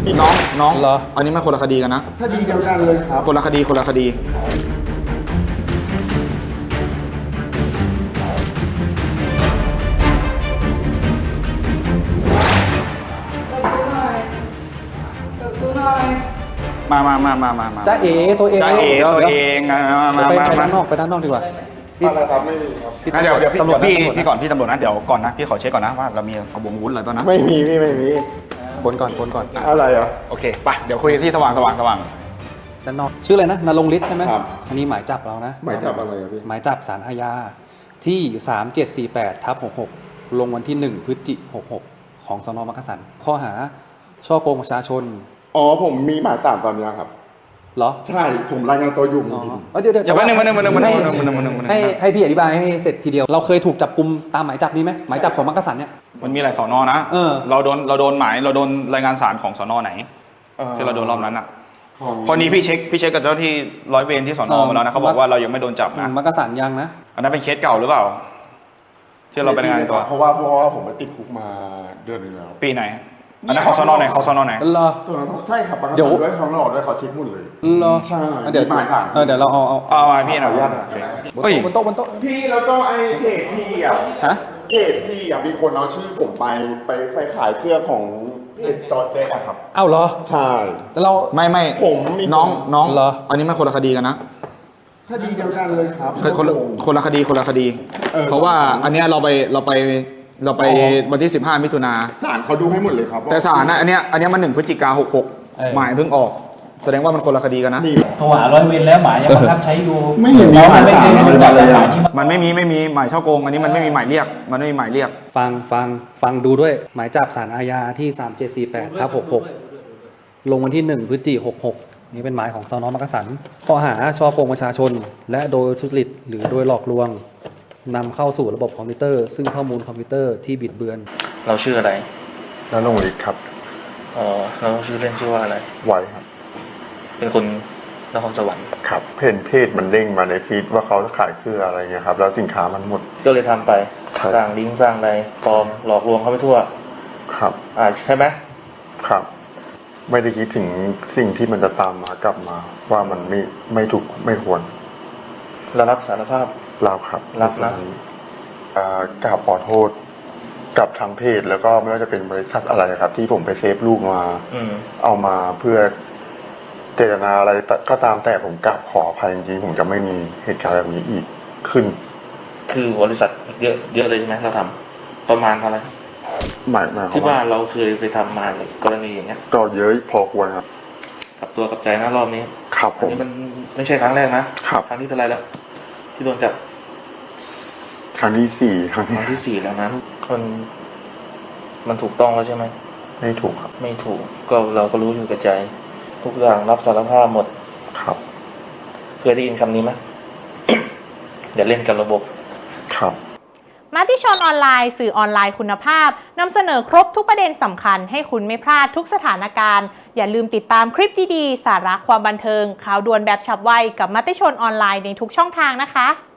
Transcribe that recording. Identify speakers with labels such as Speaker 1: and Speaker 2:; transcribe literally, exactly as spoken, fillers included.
Speaker 1: น้องน้อง
Speaker 2: เหรอ
Speaker 1: อันนี้มันคนละคดีกันนะ
Speaker 3: คดีเดียวกันเลยครับ
Speaker 1: คนละคดีคนละคดีมามามามามามา
Speaker 2: จ้าเอ๋ตัวเอง
Speaker 1: จ้าเอ๋ตัวเองมามา
Speaker 2: ไป
Speaker 1: มา
Speaker 2: ไป
Speaker 1: มา
Speaker 2: ด้านนอกไปด้านนอกดีกว่า
Speaker 3: อะไรครับไม่มีครับ
Speaker 1: งั้นเดี๋ยวเดี๋ยวพี่
Speaker 2: ตำรวจ
Speaker 1: พี่
Speaker 2: ตำรวจ
Speaker 1: พี่ก่อนพี่ตำรวจนะเดี๋ยวก่อนนะพี่ขอเช็คก่อนนะว่าเรามีขบวนวุ้นอะไรบ้างนะ
Speaker 3: ไม่มีพี่ไม่มี
Speaker 2: คนก่อนคนก่อน
Speaker 3: อะไรอ่ะ
Speaker 1: โอเคไปเดี๋ยวคุยที่สว่างสว่างสว่าง
Speaker 2: ด้านนอกชื่ออะไรนะนรงค์ฤทธิ์ใช่ไหม
Speaker 3: ครับ
Speaker 2: อันนี้หมายจับเรานะ
Speaker 3: หมายจับอะไรอ่ะพี่
Speaker 2: หมายจับศาลอาญาที่สามเจ็ดสี่แปดทับหกหกลงวันที่หนึ่งพฤศจิกายนหกหกของสน.มักกะสันข้อหาช่อโกงประชาชน
Speaker 3: อ๋อผมมีหมายสามตอนนี้ครับ
Speaker 2: เหรอ
Speaker 3: ใช่ผมรายงานตัวอยู่
Speaker 2: อ๋อ
Speaker 3: พี่
Speaker 2: เอ้ยเดี๋ยวเดี๋ยว
Speaker 1: อย่ามาหนึ่งมาหนึ่งมาหนึ่งมาหนึ่ง
Speaker 2: ให้
Speaker 1: มาหนึ่งมาหนึ่งมาหนึ่งมาหนึ่ง
Speaker 2: ให้ให้พี่อธิบายให้เสร็จทีเดียวเราเคยถูกจับกุมตามหมายจับนี้ไหมหมายจับของมักกะสันเนี่ย
Speaker 1: มันมีหลายสอนอนะ
Speaker 2: เออ
Speaker 1: เราโดนเราโดนหมายเราโดนรายงานศาลของสอนอไหนที่เราโดนรอบนั้นอ่ะ
Speaker 3: ของ
Speaker 1: พอนี้พี่เช็คพี่เช็คกับเจ้าที่ร้อยเวรที่สอนอมาแล้วนะเขาบอกว่าเรายังไม่โดนจับนะ
Speaker 2: มักกะสันยังนะ
Speaker 1: อันนั้นเป็นเคสเก่าหรือเปล่าที่เราไปรายงานตัว
Speaker 3: เพราะว่าเพราะว่าผมไปติดคุกมาเดือนหนึงแล้ว
Speaker 1: ปีไหนอันนั้นของสอนอไหนของสอนอไหน
Speaker 2: เหรอ
Speaker 3: ส่วนนั้นใช่ครับบาง
Speaker 2: เดี๋ยว
Speaker 3: ด้วยเขาหลอกด้วยเขาเช็คหมดเลย
Speaker 2: เหรอ
Speaker 3: ใช่
Speaker 2: เดี๋ยว
Speaker 3: มีหมายสาร
Speaker 2: เออเดี๋ยวเราเอาเอา
Speaker 1: เอามาพี่หน่อย
Speaker 3: ขออนุญาตนะ
Speaker 1: โอเคเฮ้ย
Speaker 2: บนโต๊ะบนโต๊ะ
Speaker 3: พี่แล้วก็ไอ้เพจพี่อ่ะ
Speaker 2: ฮะ
Speaker 3: เพจพี่อ่ะมีคนเอาชื่อผมไปไปไปขายเสื้อของเพจจอร์เจ๊อะครับ
Speaker 2: เอ้าเหรอ
Speaker 3: ใช่
Speaker 2: แต่เรา
Speaker 1: ไม่ไม่
Speaker 3: ผมมี
Speaker 1: น้องน้อง
Speaker 2: เหรอ
Speaker 1: อันนี้มันคนละคดีกันนะ
Speaker 3: คดีเดียวกันเลยครับ
Speaker 1: คนละคนละคดีคนละคดี
Speaker 3: เออ
Speaker 1: เพราะว่าอันเนี้ยเราไปเราไปเราไปวันที่สิบห้ามิถุนา
Speaker 3: ศาลเขาดูให้หมดเลยครับ
Speaker 1: แต่ศาลนะอันเนี้ยอันเนี้ยมันหนึ่งพฤศจิกาหกหก
Speaker 2: เออ
Speaker 1: หมายเพิ่งออก แสดงว่ามันคนละคดีกันนะ
Speaker 3: มี
Speaker 4: โทรหาร้อยเวรแล้วหมายยังบังคับใช้อยู่
Speaker 3: ไม่เห็นมี
Speaker 4: เรา
Speaker 3: หมาย
Speaker 4: ไม่เคย
Speaker 3: สาร
Speaker 4: โดนจับ
Speaker 3: อะไรเลย
Speaker 4: หมายนี้มา
Speaker 1: มันไม่มีไม่มีหมายช่อโกง อันนี้มันไม่มีหมายเรียก มันไม่มีหมายเรียก
Speaker 2: ฟังฟังฟังดูด้วยหมายจับศาลอาญาที่สามเจ็ดสี่แปดทับหกหกลงวันที่หนึ่งพฤศจิกายนหกหกนี่เป็นหมายของสน.มักกะสันข้อหาช่อโกงประชาชน และโดยทุจริตหรือโดยหลอกลวงนำเข้าสู่ระบบคอมพิวเตอร์ ซึ่งข้อมูลคอมพิวเตอร์ที่บิดเบือน
Speaker 5: เราชื่ออะไร
Speaker 3: แล้วลงอีกครับ
Speaker 5: อ๋อเราชื่อเล่นชื่อว่าอะไร
Speaker 3: ไวครับ
Speaker 5: เป็นคนนครสวรรค์
Speaker 3: ครับเพจเพจมันเด้งมาในฟีดว่าเขาขายเสื้ออะไรเงี้ยครับแล้วสินค้ามันหมด
Speaker 5: ก็เลยทำไป
Speaker 3: ใช่
Speaker 5: สร้างลิงก์สร้างอะไรปลอมหลอกลวงเขาไปทั่ว
Speaker 3: ครับ
Speaker 5: อ่าใช่ไหม
Speaker 3: ครับ ไม่ได้คิดถึงสิ่งที่มันจะตามมากลับมา ว่ามันไม่ไม่ถูกไม่ควร
Speaker 5: เรารับสารภาพ
Speaker 3: เราครับ
Speaker 5: รับนะ
Speaker 3: อ่ากราบขอโทษกับทางเพจแล้วก็ไม่ว่าจะเป็นบริษัทอะไรครับ ที่ผมไปเซฟลูกมา
Speaker 5: อืม
Speaker 3: เอามาเพื่อเจตนาอะไรก็ตามแต่ผมกราบขออภัยจริงๆผมจะไม่มีเหตุการณ์แบบนี้อีกขึ้น
Speaker 5: คือบริษัทเยอะเยอะเลยใช่ไหมเราทำประมาณเท่าไหร่
Speaker 3: หมายหมายควา
Speaker 5: ที่
Speaker 3: ม
Speaker 5: ว่า
Speaker 3: ว่า
Speaker 5: เราเคยไปทำมาในกรณีอย่างเงี้ย
Speaker 3: ก็เยอะพอควรครับ
Speaker 5: กับตัวกับใจนะรอบนี้
Speaker 3: ครับผ
Speaker 5: อัน
Speaker 3: ม
Speaker 5: นี้มันไม่ใช่ครั้งแรกนะครับ ครั้งที่เท่าไหรแล้ว ที่โดนจับ
Speaker 3: ครั้งที่สี่ครั้ง
Speaker 5: ค
Speaker 3: ที่
Speaker 5: รั้งที่สี่แล้วนะมันมันถูกต้องแล้วใช่ไหม
Speaker 3: ไม่ถูกครับ
Speaker 5: ไม่ถูกก็เราก็รู้อยู่กับใจ ทุกอย่างรับสารภาพหมด
Speaker 3: ครับ
Speaker 5: เคยได้ยินคำนี้ไหม อย่าเล่นกับระบบ
Speaker 3: ครับ
Speaker 6: มติชนออนไลน์สื่อออนไลน์คุณภาพนำเสนอครบทุกประเด็นสำคัญให้คุณไม่พลาดทุกสถานการณ์อย่าลืมติดตามคลิปดีๆสาระความบันเทิงข่าวด่วนแบบฉับไวกับมติชนออนไลน์ในทุกช่องทางนะคะ